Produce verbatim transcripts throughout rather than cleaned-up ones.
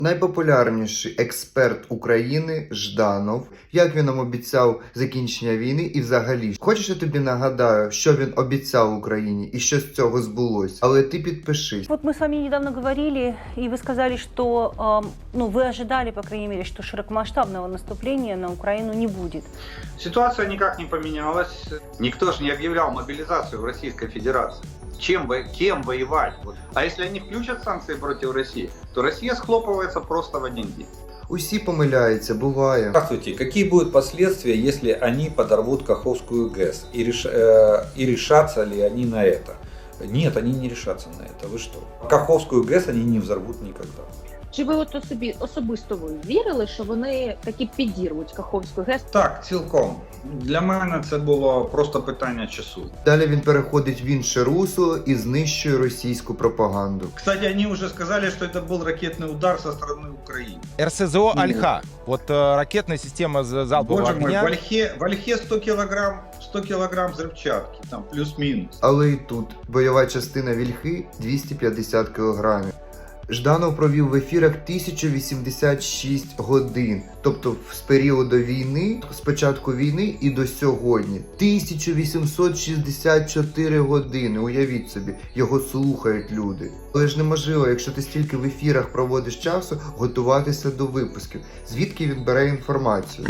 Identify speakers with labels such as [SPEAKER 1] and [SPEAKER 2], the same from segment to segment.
[SPEAKER 1] Найпопулярніший експерт України Жданов, як він нам обіцяв закінчення війни і взагалі. Хочеш, я тобі нагадаю, що він обіцяв Україні і що з цього збулось, але ти підпишись.
[SPEAKER 2] Вот мы с вами недавно говорили, и вы сказали, что э, ну, вы ожидали, по крайней мере, что широкомасштабного наступления на Украину не будет.
[SPEAKER 3] Ситуация никак не поменялась. Никто же не объявлял мобилизацию в Российской Федерации. Чем, кем воевать? А если они включат санкции против России, то Россия схлопывается просто в один день.
[SPEAKER 1] Усі помиляються, буває.
[SPEAKER 4] Здравствуйте. Какие будут последствия, если они подорвут Каховскую ГЭС? И, реш... э, и решатся ли они на это? Нет, они не решатся на это. Вы что? Каховскую ГЭС они не взорвут никогда.
[SPEAKER 5] Чи ви от собі особисто ви вірили, що вони таки підірвуть Каховську ГЕС?
[SPEAKER 6] Так, цілком. Для мене це було просто питання часу.
[SPEAKER 1] Далі він переходить в інше русло і знищує російську пропаганду.
[SPEAKER 6] Кстати, они уже сказали, что это был ракетный удар со стороны Украины.
[SPEAKER 7] эр эс зэ о «Альха». Вот э, ракетная система з- залпового
[SPEAKER 6] Боже мой,
[SPEAKER 7] огня.
[SPEAKER 6] в Ольхе, в Ольхе сто килограмм, сто килограмм взрывчатки, там плюс-минус.
[SPEAKER 1] Але і тут бойова частина Вільхи двісті п'ятдесят кілограмів. Жданов провів в ефірах тисячу вісімдесят шість годин, тобто з періоду війни, з початку війни і до сьогодні. тисяча вісімсот шістдесят чотири години, уявіть собі, його слухають люди. Але ж неможливо, якщо ти стільки в ефірах проводиш часу, готуватися до випусків. Звідки він бере інформацію?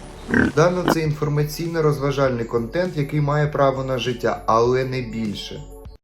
[SPEAKER 1] Жданов – це інформаційно-розважальний контент, який має право на життя, але не більше.